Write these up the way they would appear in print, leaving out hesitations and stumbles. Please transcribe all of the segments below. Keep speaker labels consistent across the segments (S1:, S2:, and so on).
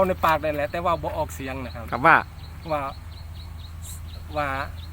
S1: ในปากได้แหละแต่ว่าบ่ออกเสียงนะครับ
S2: ครับว่า
S1: ว่า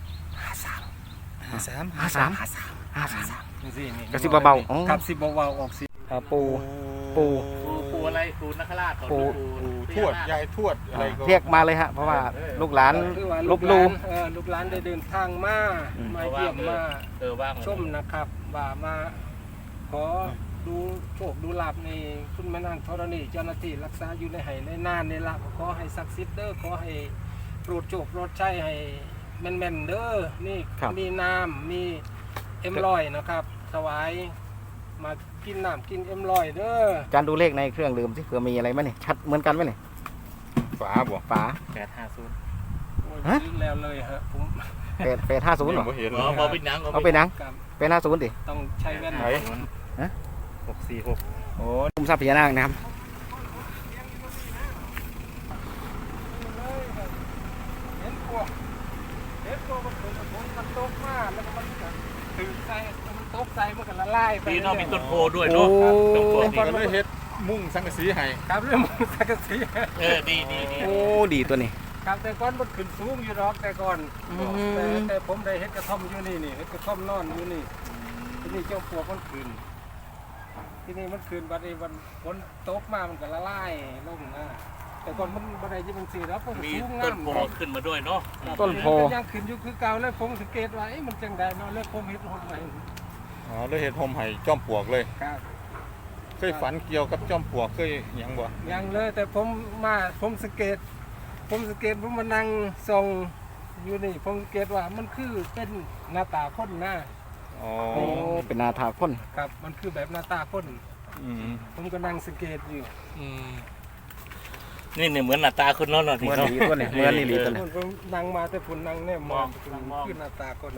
S1: 53นี่นี่
S2: กระซิบเบาๆอ๋อ
S1: ครับสิเบาๆออกเสียง
S2: ปู
S3: อะไรปูนักขราช
S2: ปู
S4: ทวดยายทวดอะไรก็
S2: เรียกมาเลยฮะเพราะว่าลูกหลานลบลู
S1: ลูกหลานได้เดินทางมาเยี่ยมมา
S3: ว่าง
S1: ชมนะครับว่ามาขอดูโชคดูลาภในคุณแม่นางธรณีเจ้าหน้าที่รักษาอยู่ในไหในน่านในละขอให้ศักดิ์สิทธิ์เด้อขอให้โปรดโชคโปรดชัยให้แม่นๆเด้อนี่มีน้ำมีเอ็มลอยนะครับถวายมากินน้ำกินเอ็มลอยเด้อ
S2: การดูเลขในเครื่องดื่มสิเผื่อมีอะไรไหมเนี่ยชัดเหมือนกันไหมเนี่ย
S4: ฝาบ่
S2: ฝา
S3: 850
S1: ฮะแล้วเลยฮะผม
S2: 850หรอ
S3: เอาไปนัง
S2: เป็น50ดิ
S1: ต้องใช้แว่น
S2: ฮะ
S3: 646
S2: โอ้คุมทรัพย์พญานาคนะครับ
S1: เห็นตัวมันตกมาแล้วก็มันถือใส่มันตกใส่มันก็ละลายไป
S3: นี่น้องมีต้นโพด้วยเนาะ
S4: ต้นโพนี่ก็เลยเฮ็ดมุ่งสังกะสีให้
S1: ครับเรื่องมุ่งสังกะสี
S3: ดี
S2: โอ้ดีตัวนี้
S1: ครับแต่ก่อนมันขึ้นสูงอยู่หรอกแต่ก่อนแต่ผมได้เฮ็ดกระท่อมอยู่นี่เฮ็ดกระท่อมนอนอยู่นี่ที่นี่เจ้าปวกมันขึ้นที่นี่มันขึ้นบัดนี้วันฝนตกมามันก็ละลายลงนะแต่ก่อนมันบันไดที่มันสีแล้ว
S3: มีต้นโพขึ้นมาด้วยเนาะ
S2: ต้นโพ
S1: ยังขึ้นอยู่คือเก่าแล้วผมสังเกตว่ามันจังได้เนาะแล้วผมเฮ็ดห่มใหม่
S4: เลยเฮ็ดห่มให้จอมปลวกเลย
S1: ครับ
S4: เคยฝันเกี่ยวกับจอมปลวกเคยหยังบ่
S1: ยังเลยแต่ผมสังเกตผมมานั่งส่องอยู่นี่ผมสังเกตว่ามันคือเป็นหน้าตาคนนะ
S2: อ๋อเป็นหน้าตาคน
S1: ครับมันคือแบบหน้าตาคนผมก็นั่งสังเกตอยู่
S3: นี่เนี่ยเหมือนหน้าตาคนนอนหน่อย
S2: เหมือนดีตัวเนี่ยเหมือนดีตัวเนี่ย
S1: ผมนั่งมาแต่ผมนั่งเนี่ยมองขึ้นหน้าตาคน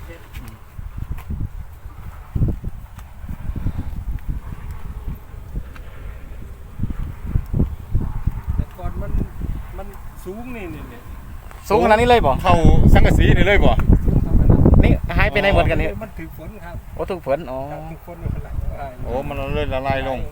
S1: แต่ก่อนมันสูงนี่
S2: สูงขนาดนี้เลยบ่
S4: เท่าสังกะสีนี่เลยบ่
S2: นี่หายไปไหนหมดกันเนี่ย
S1: มันถือฝนครับ
S2: โอ้ถูกฝนอ๋อ
S1: ถือฝนมันไหล
S4: โอ้มันเลยละลายลง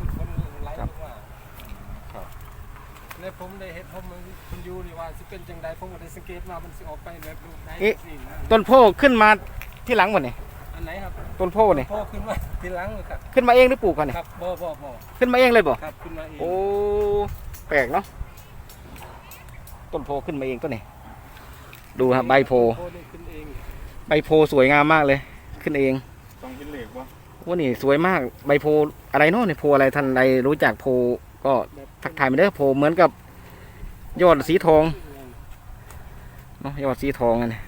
S1: แล้วผมได้เห็นผมมันอยู่นี่ว่าสิเป็นจังใดผมก็ได้สังเกตว่ามันสิออกไปแบบรูปใดสิ
S2: ต้นโพขึ้นมาที่หลังหมดนี่
S1: อันไหนครับ
S2: ต้นโพนี่
S1: โพขึ้นมาที่หลังครับ
S2: ขึ้นมาเองหรือปลูกกันนี่
S1: ครับบ่
S2: ขึ้นมาเองเลยบ่
S1: ครับขึ้นมาเอง
S2: โอ้แปลกเนาะต้นโพขึ้นมาเองต้นนี้ดูครับใบโพใบโพสวยงามมากเลยขึ้นเอง
S4: ต้องเห็นเหล็กวะ
S2: ว่านี่สวยมากใบโพอะไรเนาะนี่โพอะไรท่านใดรู้จักโพก็ทักทายมาเด้อโพเหมือนกับยอดสีทองเนาะยอดสีทองนี่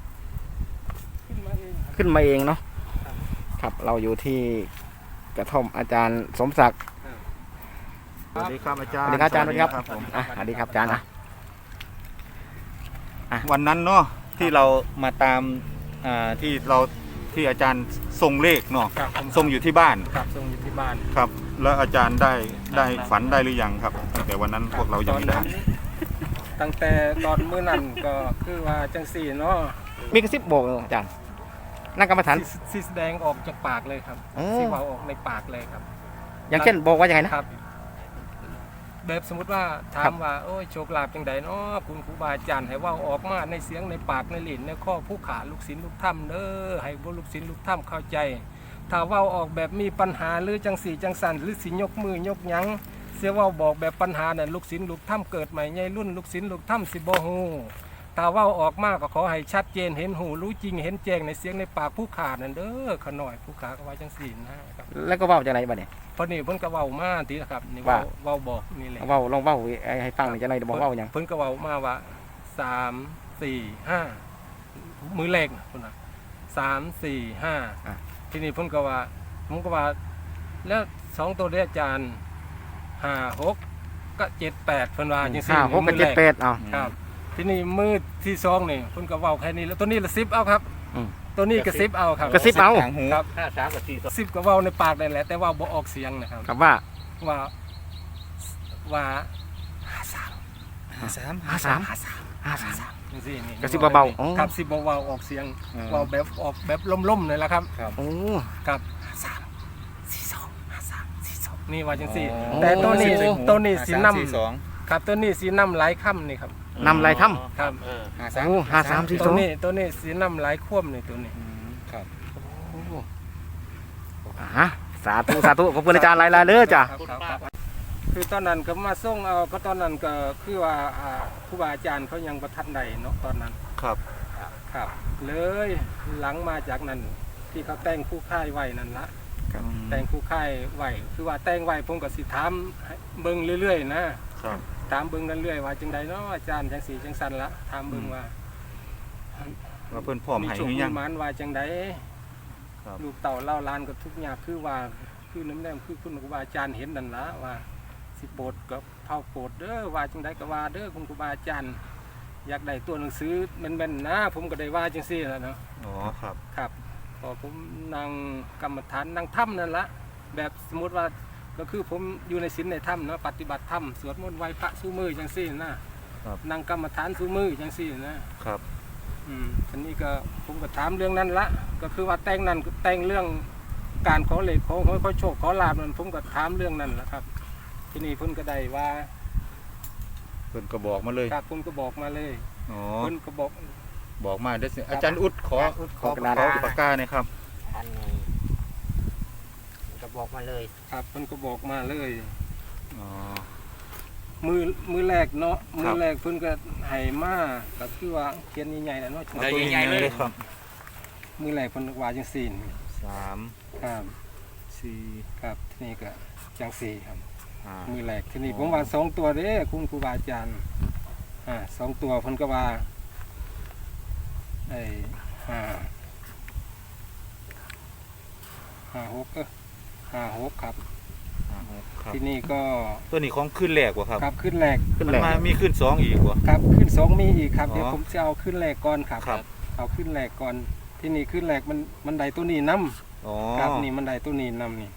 S2: ขึ้นมาเองเนาะครับเราอยู่ที่กระท่อมอาจารย์สมศักดิ์
S4: สวัสดีครับอาจารย์
S2: สวัสดีครับอาจารย์สวัสดีครับสวัสดีครับอาจารย์
S4: วันนั้นเนาะที่เรามาตามที่อาจารย์ทรงเลขเนาะทรงอยู่ที่บ้าน
S1: ครับทรงอยู่ที่บ้าน
S4: ครับแล้วอาจารย์ได้ฝันได้หรือยังครับตั้งแต่วันนั้นพวกเรายังไม่ได้
S1: ตั้งแต่ตอนมื้อนั้นก็คือว่าจังสี่เนาะ
S2: มีกระซิบบอกอาจารย์นั่งกรรมฐาน
S1: สีแสดงออกจากปากเลยครับสีเบาออกในปากเลยครับ
S2: อย่างเช่นบอกว่าอย่างไรนะครับ
S1: แบบสมมติว่าถามว่าโอ้ยโชคลาภจังใดเนาะคุณครูบาอาจารย์ให้ว่าออกมาในเสียงในปากในลิ้นในข้อผู้ขาลูกศิษย์ลูกถ้ำเด้อให้ลูกศิษย์ลูกถ้ำเข้าใจถ้าว่าออกแบบมีปัญหาหรือจังสี่จังสันหรือสิยกมือยกยั้งเสียว่าบอกแบบปัญหาเนี่ยลูกศิษย์ลูกถ้ำเกิดใหม่ใหญ่รุ่นลูกศิษย์ลูกถ้ำสิบ่ฮู้ถ้าว่าออกมาก็ขอให้ชัดเจนเห็นหูรู้จริงเห็นแจ้งในเสียงในปากผู้ขานั่นเด้อขน่อยผู้ขาก็ว่าจังสี่นะครับ
S2: แล้วก็เว้าจังไรบ้างเนี่ย
S1: พอนี่เพิ่นก็เว้ามาทีนะครับนี่เว้าบอกนี่แหละ
S2: เว้าลองเว้าให้ฟังหน่อยจังไรบอกเว้าอย่าง
S1: เพิ่นก็เว้ามาว่า3 4 5มือเลขพุ่นน่ะ3 4 5ทีนี้เพิ่นก็ว่าผมก็ว่าแล้ว2ตัวเด้อาจารย์5 6ก็7 8เพิ่นว่าจังซี่
S2: 5 6กับ7 8อ้าว
S1: ครับทีนี้มือที่2นี่เพิ่นก็เว้าแค่นี้แล้วตัวนี้ละ10เอาครับตัวนี้กระซิบเอาครับ
S2: กระซิบเอา
S1: ครับ53กับ410ก็เว้าในปากได้แหละแต่ว่าบ่ออกเสียงนะครับ
S2: ครับว่า
S1: จังซี่นี่
S2: กระซิบเบา
S1: ๆครับสิบ่เว้าออกเสียงเว้าแบบล่มๆนี่แหละครับ
S2: โอ้
S1: ครับ53 42 53 42นี่ว่าจังซี่แต่ตัวนี้สินำครับตัวนี้สีน้ำหลายค่ำนี่ครับ
S2: นำลายถ้
S1: ครับ
S3: เออ
S2: ำโอ้5342
S1: ตัวนี้สีน้ำหลายคว่ำนี่ตัวนี้
S4: ครับ
S2: อ่ะสาธุสาธุขอบคุณอาจารย์หลายๆเด้อจ้ะ
S1: ครับคือตอนนั้นก็มาส่งเอาเพราะตอนนั้นก็คือว่าครูบาอาจารย์เขายังประทัดใดเนาะตอนนั้น
S4: ครับ
S1: ครับเลยหลังมาจากนั้นที่เขาแต่งคู่ค่ายไว้นั่นละแต่งคู่ค่ายไว้คือว่าแต่งไว้ผมก็สิถามให้เบิ่งเรื่อยๆนะครับ ถามเบิ่งเรื่อยๆว่าจังใดเนาะอาจารย์จังสีจังสันละถามเบิ่งว่า
S4: ว่าเพิ่นพร้อม
S1: มี
S4: ให้
S1: โชค
S4: หรือ
S1: มี
S4: ยัง
S1: หมานว่าจังใด
S4: ครับ
S1: ลูกเต่าเล่าลานก็ทุกอย่างคือว่าคือน้ำแนมคือคุณครูบาอาจารย์เห็นนั่นละว่าสิโปรดกับเผาโปรดเด้อว่าจังใดก็ว่าเด้อคุณครูบาอาจารย์อยากได้ตัวหนังสือแม่นๆนะผมก็ได้ว่าจังซี่แหล้วเนาะ
S4: อ๋อครับ
S1: ครับพอผมนั่งกรรมฐานนั่งถ้ำนั่นละแบบสมมติว่าก็คือผมอยู่ในศีลในถ้ำเนาะปฏิบัติธรรมสวดมนต์ไหว้พระสู้มือจังซี่นะครับ นั่งกรรมฐานสู้มือจังซี่นะครับ ทีนี้ก็ผมก็ถามเรื่องนั้นละก็คือว่าแต่งนั้นแต่งเรื่องการขอเลขขอโชคขอลาบนั่นผมก็ถามเรื่องนั้นแหละครับ ทีนี้เพิ่นก็ได้ว่า
S4: เพิ่นก็บอกมาเลย
S1: ครับเพิ่นก็บอกมาเลย
S4: อ๋อ
S1: เพิ่นก็บอก
S4: บอกมาเด้อสิอาจารย์อุดขอ
S2: ขอกระดาษ
S4: ขอปากกาหน่อยครับ
S5: อันนี้ก็บอกมาเลย
S1: ครับเพิ่นก็บอกมาเลย
S4: อ๋อ
S1: มือแรกเนาะ
S4: ค
S1: มื
S4: รั
S1: อบ แรกเพิ่นก็ให้มาก็คือว่าเขียนใหญ่ๆแล้วเนาะ
S3: เอาใหญ่ๆเลย
S4: ครับ
S1: มือแรกเพิ่นว่าจังซี่นี่
S4: 3
S1: ครับ
S4: 4
S1: ครับทีนี้ก็จังซี่ครับ
S4: 5
S1: มือแรกทีนี้ผมว่า2ตัวเด้คุณครูบาอาจารย์2ตัวเพิ่นก็ว่าไอ้56ครับ
S4: ครับ
S1: ทีนี้ก็
S4: ตัวนี้ของขึ้นแรกวะครับ
S1: ครับขึ้นแรก
S2: ขึ้น
S4: มัน
S2: แรก
S4: มามีขึ้น2อีกวะ
S1: ครับขึ้น2มีอีกครับ
S4: อ๋อ
S1: เดี๋ยวผมจะเอาขึ้นแรกก่อนครับ
S4: ครับ
S1: เอาขึ้นแรกก่อนที่นี่ขึ้นแรกมันได้ตัวนี้นํ
S4: อ๋อ
S1: ครับนี่มันได้ตัวนี้นํนี่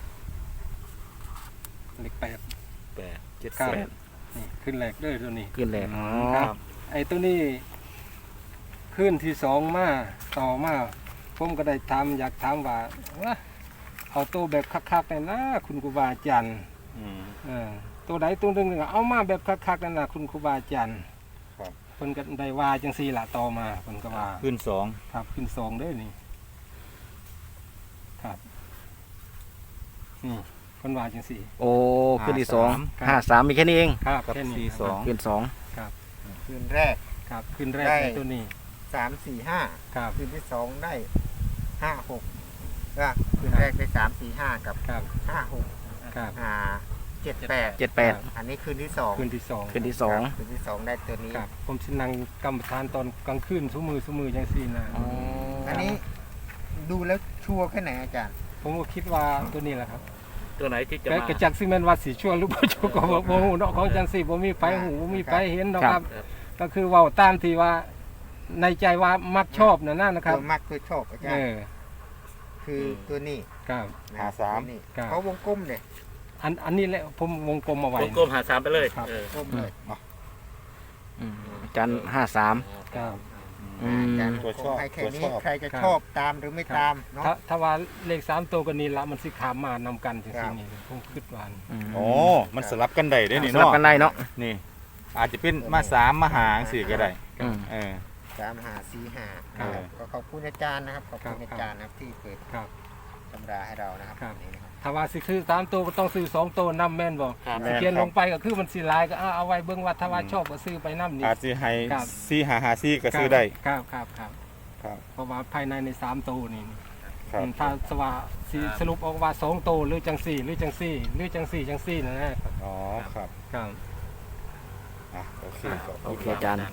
S1: เลข8
S4: 8 7
S1: ครับ
S4: 8
S1: นี่ขึ้นแรกเด้อตัวนี้
S2: ขึ้นแรกอ๋อ
S1: ครับ ไอ้ตัวนี้ขึ้นที่2มาต่อมาผมก็ได้ถามอยากถามว่าเอาตัวแบบคักๆเลยนะคุณครูบาอาจารย์
S4: อืม
S1: ตัวใดตัวหนึ่งเอามาแบบคักๆนั่นนะคุณครูบาอาจารย์
S4: ครับ
S1: เพิ่นก็ได้ว่าจังซี่ล่ะต่อมาเพิ่นก็ว่า
S4: ขึ้น
S1: ครับขึ้น2เด้อนี่ครับนี่เพิ่นว่าจังซี่
S2: โอ้ขึ้นที่
S1: ครับ
S2: 2 53มีแค่นี้เอง
S1: ครับ
S4: กับ
S1: แค่นี้
S4: 4 2
S2: ขึ้น
S5: คืนแรก
S1: ครับขึ้นแรก
S5: ได้
S1: ในตัวนี้
S5: 3 4 5
S1: ครับ
S5: คืนที่ 2 ได้ 5 6ก็คืนแรกได้ 3 4 5 กับ
S1: ครับ
S5: 5 6
S1: ครับ
S5: 7 8
S2: 78
S5: อันนี้คืนที่ 2
S1: ขึ้นที่สอง
S2: ขึ้นที่
S5: คืนที่ 2 ได้ตัวนี้
S1: ครับผมสินั่งกรรมฐานตอนกลางคืนซุมือจังซี่นะ
S2: 2อ๋อ
S5: อันนี้ดูแล้วชัวร์แค่ไหนอาจารย์
S1: ผมก็คิดว่าตัวนี้แหละครับ
S3: ตัวไหนที่จะ
S1: แต่
S3: มาก
S1: ระจักซิแม่นว่าสิชั่วหรือบ่ชั่วก็บ่ฮู้เนาะของจังซี่บ่มีไฟหูบ่มีไฟเห็นเนาะครับ ก็คือเว้าตามที่ว่าในใจว่ามักชอบนั่นนะครับ
S5: ตัวมักตัวชอบอาจาร
S1: เอ
S5: ย์
S1: อ
S5: คือตัวนี้
S1: ครับ
S5: นะครับ
S4: 53
S5: ตัวนี้
S1: ครับ
S5: เขาวงกลมเลย
S1: อันนี้แหละผมวงกลมเอาไว้
S3: วงกลมหา3ไปเลย
S1: ครับ
S5: กลมเลย
S2: อาจารย์53
S1: ครับ
S2: อืม
S5: อาจารย์
S4: ตัวชอบ
S5: ให้แค่นี้
S4: ตัวชอบ
S5: ใครจะ
S1: ครับ
S5: ชอบตามหรือไม่ตามเนาะ
S1: ถ้าว่าเลข3ตัวก็นี่ละมันสิขามมานำกันจัง
S5: ครั
S1: ซี่
S5: บ
S1: นี่ผมคิดว่า
S4: อ๋อมันสลับกันได้เด้นี่
S2: สลับ
S4: เนาะ
S2: กันได้เนาะ
S4: นี่ อาจจะเป็นมา3มาหาจังซี่ก็ได้
S2: อืม
S4: เออ
S5: 3 5 4 5
S4: ครับ
S5: ก็ขอบคุณอาจารย์นะครับขอบคุณอาจารย์นะครับที่เปิด
S1: ครับ
S5: ตำราให้เรานะครับ
S1: ครับ
S5: นี่นะครับ
S1: ถ้าว่าสิซื้อ3ตัวก็ต้องซื้อ2ตัวนำแม่นบ่
S3: ครับ
S1: สิเขียนลงไปก็คือมันสิหลายก็เอาไว้เบิ่งว่าถ้าว่าชอบก็ซื้อไปนำนี่
S4: อาจสิให้
S1: ครับ
S4: 4 5 5 4ก็ซื้อได้
S1: ครับ
S4: ครับ
S1: เพราะว่าภายใน3ตัวนี่
S4: ครับ
S1: ถ้าสว่าสิสรุปออกว่า2โตวหรือจังสี่หรือจังสี่หรือจังสี่จังสี่นะ
S4: อ๋อครับ
S1: ครับ
S4: อ่ะโอเคขอบ
S2: โอ
S4: คุณ
S2: เค
S4: ครับ
S2: อาจารย์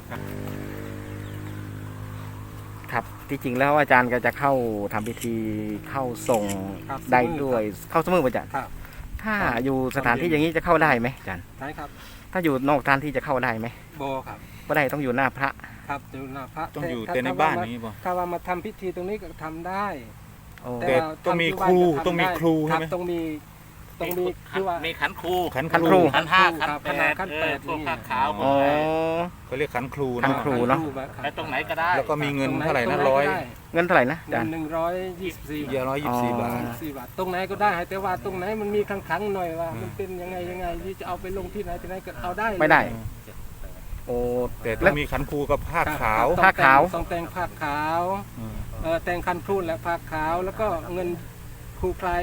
S2: ครับที่จริงแล้วอาจารย์ก็จะเข้าทำพิธีเข้าส่ง
S1: ครับ
S2: ได้ด้วยเข้าสมืออาจารย์
S1: ครับ
S2: ถ้าอยู่สถานที่อย่างนี้จะเข้าได้ไหมอาจารย์
S1: ใช่ครับ
S2: ถ้าอยู่นอกสถานที่จะเข้าได้ไหม
S1: โบครับ
S2: ก็ได้ต้องอยู่หน้าพระ
S1: ครับอยู่หน้าพระ
S4: ต้องอยู่
S1: ถ้า
S4: แต่ในบ้านนี้บ่
S1: ถ้าว่ามาทำพิธีตรงนี้ก็ทำได้
S2: โอ้
S4: แต่
S1: ว่า
S4: ต้องมี
S1: ทำที่
S4: ครู
S1: บ้านก็ทำ
S4: ต้องมี
S1: ได้
S4: ครูใช่ไหม
S1: บต้องมีตรงนี้คือว่า
S3: มีขันครู
S4: ขัน
S2: ขัน
S4: ค
S2: ครู
S4: รู
S3: ขันห้าขัน
S1: ครับ
S3: แป
S1: ขัน
S3: ด
S1: แปด
S3: พวก
S1: นี่
S3: ผ้าขาวพว
S2: อ๋
S3: ก
S2: อ
S4: เขาเรียกขันครู
S2: ขัน
S4: เนาะ
S2: ครู เนอะ
S3: ไปตรงไหนก็ได้
S4: แล้วก็มีเงินเท่าไหร่นะ
S1: ตง
S4: ร้อย
S1: ก็ได้
S2: เงินเท่าไหร่นะอาจารย์
S1: 124
S4: เยอะ124 บาท
S1: 4 บาทตรงไหนก็ได้แต่ว่าตรงไหนมันมีขังๆหน่อยว่า มันเป็นยังไงที่จะเอาไปลงที่ไหนก็เอาได้เลย
S2: ไม่ได้ โอ้
S4: แต่ต้องมีขันครูกับผ้าขาว
S2: ผ้าขาว
S1: ต้องแต่งผ้าขาว
S4: อืม
S1: แต่งคันครูและผ้าขาว แล้วก็เงินครูพลาย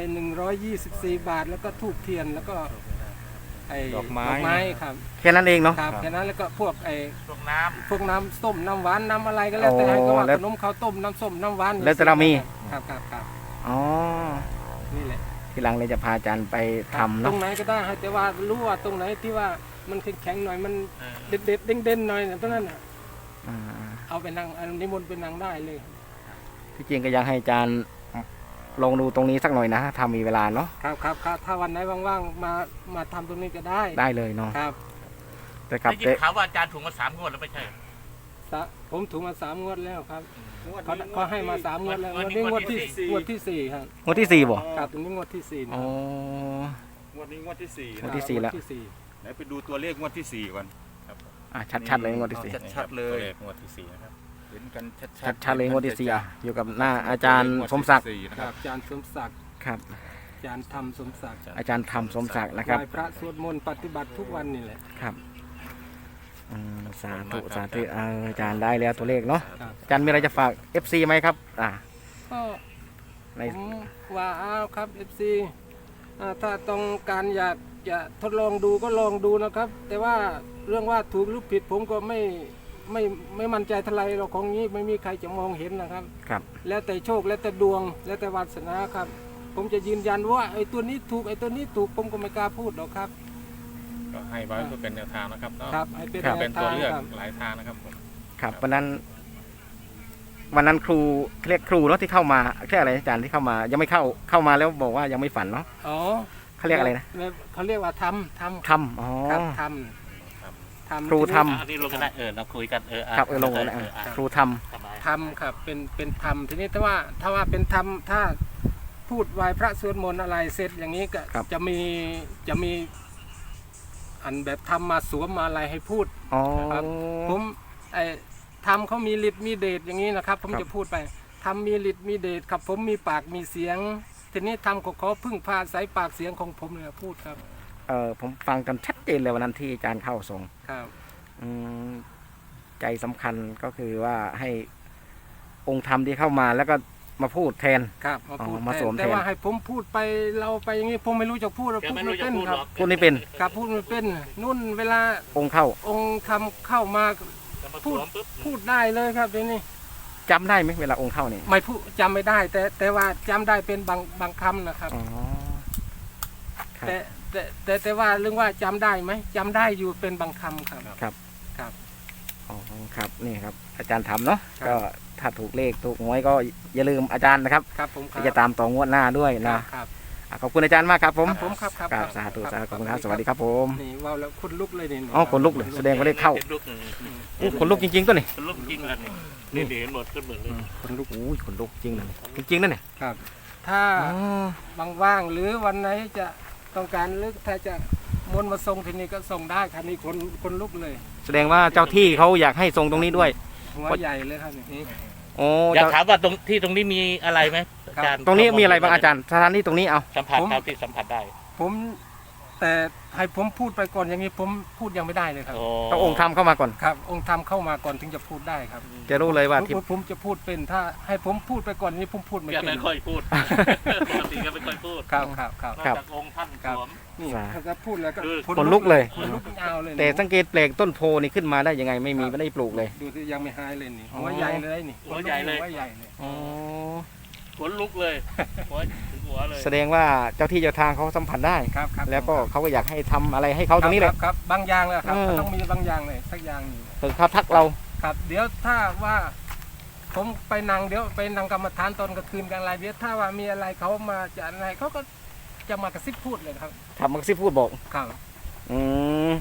S1: 124 บาท แล้วก็ธูปเทียนแล้วก็ไอ้
S4: ดอกไม้
S1: ครับ
S2: แค่นั้นเองเนาะ
S1: ครับแค่นั้นแล้วก็พวกไอ้
S3: พวกน้
S1: พวกน้ำส้มน้ำหวานน้ำอะไรก็แล้วแต่ให้ก็ว่า
S2: แล้ว
S1: ขนมข้าวต้มน้ำส้มน้ำหวาน
S2: แล้วแต่เรามี
S1: ครับ
S2: อ๋อ
S1: นี่แหละ
S2: ทีหลังเลยจะพาอาจารย์ไปทำ
S1: ตร
S2: เนาะ
S1: งไหนก็ได้ให้แต่ว่ารู้ว่าตรงไหนที่ว่ามันแข็งๆหน่อยมัน
S3: ำ
S1: เด็ดๆเด้งๆหน่อยตรงนั้นน่ะ
S2: อ่า
S1: เอาไปนั่งอันนิมนต์ไปนั่งได้เลย
S2: ที่จริงก็อยากให้อาจารย์ลองดูตรงนี้สักหน่อยนะถ้ามีเวลาเนาะ
S1: ครับถ้าวันไหนว่างๆมาทำตรงนี้ก็ได้
S2: ได้เลยเนาะ
S1: ครับ
S2: แต่กลับ
S3: ได้ยินข่าวว่าอาจารย์ถูกมา3 งวดแล้วไม่ใช่เหรอ
S1: ผมถูกมา3 งวดแล้วครับเขาให้มา3 งวดแล้ว
S3: งวด
S1: ง
S3: นี้
S1: วดนี้งวดที่
S3: งวดที่
S1: 4ครับ
S2: งวดที่สี่บ่
S1: ครับตรงนี้งวดที่4นะ
S2: อ๋อ
S4: งวดนี้งวดที่4
S2: งวดที่ 4แล้ว
S1: งที่
S4: ไหนไปดูตัวเลขงวดที่4ก่อน
S2: อ่ะชัดๆเลยงวดที่สี่
S4: ชัดๆเลย
S3: งวดที่4นะครับ
S4: เห็นกันชัดๆ
S2: ชัดๆเลยงวดที่สี่อ่ะอยู่กับหน้าอาจารย์สมศักดิ์
S4: 4นะ
S1: 4
S4: ค
S1: ค
S4: รั
S1: รับ บอาจารย์สมศักดิ์
S2: ครับ
S1: อาจารย์ธรรมสมศักดิ์
S2: อาจารย์ทำสมศักดิ์นะครับ
S1: ไหว้พระสวดมนต์ปฏิบัติทุกวันนี่แหละ
S2: ครับสาธุสาธุอาจารย์ได้แล้วตัวเลขเนาะ
S1: ครับ
S2: อาจารย์มีอะไรจะฝาก FC ไหมครับ
S1: ก็
S2: ใน
S1: ผมว่าเอาครับ FC ถ้าต้องการอยากจะทดลองดูก็ลองดูนะครับ แต่ว่าเรื่องว่าถูกหรือผิดผมก็ไม่มั่นใจเท่าไหรเราของนี้ไม่มีใครจะมองเห็นนะครับ
S2: ครับ
S1: แล้วแต่โชคแล้วแต่ดวงแล้วแต่วาสนาครับ ผมจะยืนยันว่าไอ้ตัวนี้ถูกไอ้ตัวนี้ถูกผมก็ไม่กล้าพูดหรอกครับ
S6: ก็ให้ไว้เพื่อเป็นแนวทางนะครับเนาะ
S1: ครับให้เป็น
S6: เป็น
S1: แน
S6: ตัว
S1: ทาง
S6: เลือก
S1: ครับ
S6: หลายทางนะครับผม
S2: ครับวันนั้นครูเรียกครูเนาะที่เข้ามาเรียกอะไรอาจารย์ที่เข้ามา ยังไม่เข้ามาแล้วบอกว่ายังไม่ฝันเนาะ
S1: อ๋อ
S2: เขาเรียกอะไรนะ
S1: เขาเรียกว่าทำ
S2: ทำอ๋อ
S1: ครับทำ
S2: ครูท
S3: อันนี้ลงกันได้เราคุยกัน
S2: ครับลงเลยครูท
S3: สบาย
S1: ทำครับเป็นธรรมทีนี้ถ้าว่าเป็นธรรมถ้าพูดไหว้พระสวดมนต์อะไรเสร็จอย่างนี้ก็จะมีอันแบบทำมาสวมมาอะไรให้พูด
S2: ำอ๋อ
S1: ครับ ผมไอ้ทำเขามีฤทธิ์มีเดชอย่างนี้นะครับ ผม
S2: ครับ
S1: จะพูดไปทำมีฤทธิ์มีเดชครับ ผมมีปากมีเสียง ทีนี้ทำก็ขอพึ่งพาสายปากเสียงของผมเลยพูดครับ
S2: ผมฟังกันชัดเจนเลยวันนั้นที่อาจารย์เข้าทรง
S1: ครับ
S2: อืมใจสำคัญก็คือว่าให้องค์ธรรมที่เข้ามาแล้วก็มาพูดแทน
S1: ครับมาพูด
S2: มาสวมแทน
S1: แต่ว่าให้ผมพูดไปเราไปอย่างนี้ผมไม่รู้จะพูดเรา
S3: แก
S1: พูด
S3: ไม่
S1: ไม่
S3: รู้จะ
S1: เป็น
S3: พูด
S1: ค
S3: หร
S1: รับ
S3: อก
S2: พูดไม่เป็น
S1: ครับพูดไม่เป็นนุ่นเวลา
S2: องค์เข้า
S1: องค์ทำเข้ามา
S3: จะมาสวมปุ๊บ
S1: พูดได้เลยครับเดี๋ยวนี้
S2: จำได้ไหมเวลาองค์เข้านี่
S1: ไม่พูดจำไม่ได้ แต่ว่าจำได้เป็นบางคำนะครับ
S2: อ๋อครับ
S1: แต่ว่าเรื่องว่าจำได้ไหมจำได้อยู่เป็นบางคำครับ
S2: ครับ
S1: ครับ
S2: อ๋อครับนี่ครับ อาจารย์ทำเนาะ
S1: ครับ
S2: ก็ถ้าถูกเลขถูกหวยก็อย่าลืมอาจารย์นะครับ
S1: ครับผมครับ
S2: ที่จะตามต่องวดหน้าด้วย
S1: ครั
S2: นะ
S1: บครับ
S2: ขอบคุณอาจารย์มากครับผม
S1: ครับผมครับครับ
S2: ครับสาธุสาธุขอบคุณครับสวัสดีครับผม
S1: นี่ว่าวแล้วคนลุกเลยนี่
S2: อ๋อคนลุกเลยแสดงว่าเลขเข้า
S3: เป็นลูก
S2: อู้คนลุกจริงๆตัวนี่
S3: เป็นลูกจริงกันนี่เห็นหมดขึ้นหมดเลย
S2: คนลุกอู้ยคนลุกจริงนะจริงๆนั่นเนี่ย
S1: ครับ ถ้า
S2: อ๋อ
S1: ว่างๆหรือวันไหนจะต้องการหรือถ้าจะมนต์มาส่งที่นี่ก็ส่งได้ครับนี่คนลุกเลย
S2: แสดงว่าเจ้าที่เขาอยากให้ทรงตรงนี้ด้วย
S1: หัวใหญ่เลยครับนี่
S2: โอ้
S3: อยาก
S2: เจ้า
S3: ถามว่าตรงนี้มีอะไรไหมอาจารย์
S2: ตรงนี้มีอะไรบ้างอาจารย์สถานที่ตรงนี้เอา
S3: สัมผัสเท่าที่สัมผัสได้
S1: ผมแต่ให้ผมพูดไปก่อนอย่างนี้ผมพูดยังไม่ได้เลยครับ
S2: ต้ององค์ธรรมเข้ามาก่อน
S1: ครับ องค์ธรรมเข้ามาก่อนถึงจะพูดได้ครับ
S2: จะรู้เลยว่าที่
S1: ผมจะพูดเป็นถ้าให้ผมพูดไปก่อนนี้ผมพูดไม่
S3: แก
S1: เป็น
S3: ไม่ค่อยพูดปกติแกไม่ค่อยพูด
S1: ครับ
S3: นอกจากองค์ท่านสวม
S1: นี่ถ้าจะพูดแล้วก็
S2: คนลุกเลย
S1: คนลุกยาวเลย
S2: แต่สังเกตแปลกต้นโพนี่ขึ้นมาได้ยังไงไม่มีไม่ได้ปลูกเลย
S1: ดูที่ยังไม่หายเลยนี่
S2: อ๋อ
S1: หัวใหญ่เลยนี่
S3: หัวใหญ่เลย
S1: หัวใหญ่เลย
S2: อ๋อ
S3: ขนลุกเลยหัวถึงหัวเลย
S2: แสดงว่าเจ้าที่เจ้าทางเขาสัมผัสได้
S1: ครับครับ
S2: แล้วก็เขาก็อยากให้ทำอะไรให้เขาตรงนี้แหละ
S1: ครับบางอย่างเลยครับ
S2: เออ
S1: ต้องมีบางอย่างเลยสักอย่างหนึ่ง
S2: คือเขาทักเรา
S1: ครับ เดี๋ยวถ้าว่าผมไปนั่งเดี๋ยวไปนั่งกรรมฐานตอนกลางคืนกันอะไรเดี๋ยวถ้าว่ามีอะไรเขามาจะอะไรเขาก็จะมากระซิบพูดเลยครับ
S2: ทำมักซิพูดบอก
S1: ครับ
S2: อืม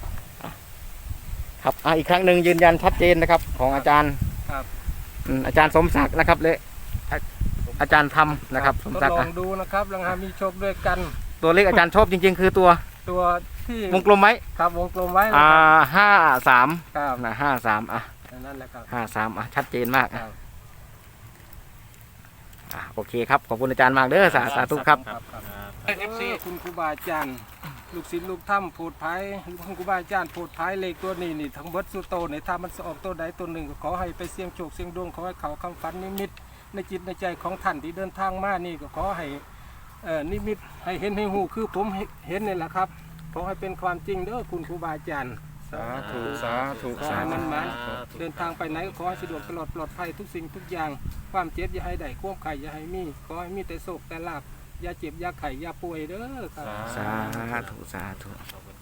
S2: ครับอีกครั้งหนึ่งยืนยันชัดเจนนะครับ ของอาจารย์
S1: ครับ
S2: อาจารย์สมศักดิ์นะครับและอาจารย์ทำนะครับสม
S1: ทด
S2: ศักดิ์
S1: ลองดูนะครับลองหามีโชคด้วยกัน
S2: ตัวเลขอาจารย์ชอบจริง ๆ คือตัว
S1: ตัวที่
S2: วงกลมไหม
S1: ครับวงกลมไว้นะ
S2: 53
S1: ครับ
S2: นะ53 อ่ะ
S1: นั่นแหละครับ
S2: 53 อ่ะ ชัดเจนมาก
S1: ครับ
S2: โอเคครับ ขอบคุณอาจารย์มากเด้อสาธุครับ
S1: ครับครับ
S3: FC
S1: คุณครูบาอาจารย์ลูกศิษย์ลูกถ้ำโพดภัยคุณครูบาอาจารย์โพดภัยเลขตัวนี้นี่ทั้งเบิดสุโตในถ้ามันออกตัวใดตัวหนึ่งก็ขอให้ไปเสี่ยงโชคเสี่ยงดวงขอให้เขาคำฝันนิมิตในจิตในใจของท่านที่เดินทางมานี่ก็ขอให้นิมิตให้เห็นให้หูคือผมเห็นนี่แหละครับขอให้เป็นความจริงเด้อคุณครูบาอาจารย์
S4: สาธุสาธุ
S1: ขอให้มันมาเดินทางไปไหนก็ขอให้สะดวกตลอดปลอดภัยทุกสิ่งทุกอย่างความเจ็บอย่าให้ได้ความไข่อย่าให้มีขอให้มีแต่โศกแต่ลาบอย่าเจ็บอย่าไข่อย่าป่วยเด้อครับ
S2: สาธุ
S3: ขอบคุณ